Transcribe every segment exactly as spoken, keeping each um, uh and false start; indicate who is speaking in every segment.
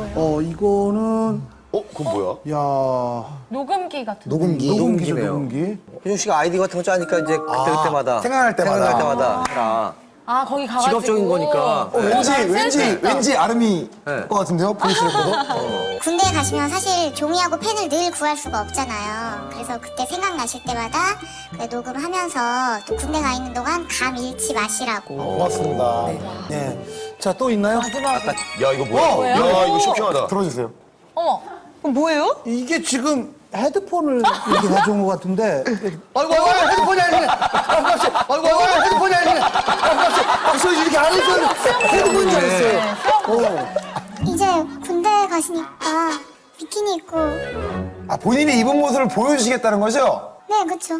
Speaker 1: 거예요?
Speaker 2: 어, 이거는
Speaker 3: 어, 그건 뭐야?
Speaker 2: 야
Speaker 1: 녹음기 같은.
Speaker 4: 녹음기.
Speaker 2: 녹음기죠,
Speaker 4: 녹음기네요.
Speaker 2: 녹음기.
Speaker 4: 효정 씨가 아이디 같은 거 짜니까 이제 그때 그때마다
Speaker 5: 생각날 때마다.
Speaker 4: 생각날 때마다 해라.
Speaker 1: 아 거기 가가지고.
Speaker 4: 직업적인 거니까.
Speaker 5: 어, 왠지,
Speaker 1: 난
Speaker 5: 왠지,
Speaker 1: 센스 있다.
Speaker 5: 왠지 아름이
Speaker 4: 네.
Speaker 5: 것 같은데요? 보이스 레코더?
Speaker 6: 군대에 가시면 사실 종이하고 펜을 늘 구할 수가 없잖아요. 그래서 그때 생각나실 때마다 그 녹음하면서 또 군대 가 있는 동안 감 잃지 마시라고.
Speaker 5: 고맙습니다.
Speaker 2: 네. 자, 또 있나요?
Speaker 3: 야, 이거 뭐야? 야, 이거 쇼킹하다.
Speaker 5: 들어주세요.
Speaker 1: 어머. 그럼 뭐예요?
Speaker 2: 이게 지금 헤드폰을 이렇게 가져온 것 같은데.
Speaker 4: 아이고, 아이고, 헤드폰이 아니네. 아이고, 아이고, 헤드폰이 아니네.
Speaker 2: 아, 저 이렇게 안 했어요. 헤드폰인 줄 알았어요. 어.
Speaker 6: 이제 군대 가시니까 비키니 입고.
Speaker 5: 아, 본인이 입은 모습을 보여주시겠다는 거죠?
Speaker 6: 네, 그쵸.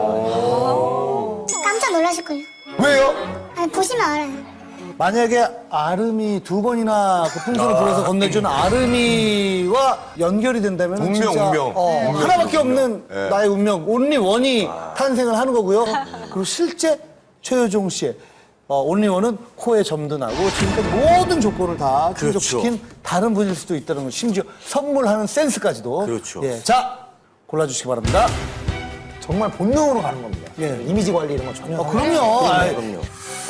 Speaker 6: 깜짝 놀라실걸요.
Speaker 5: 왜요?
Speaker 6: 아니, 보시면 알아요.
Speaker 2: 만약에 아름이 두 번이나 그 풍선을 불어서 건네준 아름이와 연결이 된다면
Speaker 3: 운명,
Speaker 2: 진짜
Speaker 3: 운명.
Speaker 2: 어,
Speaker 3: 운명이죠,
Speaker 2: 하나밖에 없는
Speaker 3: 네.
Speaker 2: 나의 운명, 온리 원이 탄생을 하는 거고요. 그리고 실제 최효종 씨의 어, 온리원은 코에 점도 나고 지금까지 모든 조건을 다 충족시킨 다른 분일 수도 있다는 거, 심지어 선물하는 센스까지도.
Speaker 3: 그렇죠.
Speaker 2: 예, 자 골라주시기 바랍니다.
Speaker 5: 정말 본능으로 가는 겁니다.
Speaker 2: 예.
Speaker 5: 이미지 관리 이런 거 전혀.
Speaker 2: 어, 그럼요. 아이,
Speaker 4: 그럼요.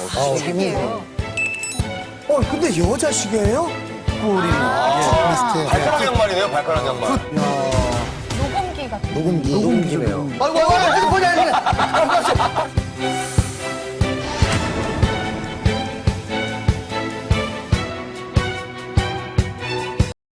Speaker 2: 어, 근데 여자 시계예요? 꿀이.
Speaker 3: 발가락 양말이네요, 발가락 양말.
Speaker 1: 녹음기 같은.
Speaker 4: 녹음기. 녹음기네요.
Speaker 2: 아이고, 아이고, 헤드폰이 아니네.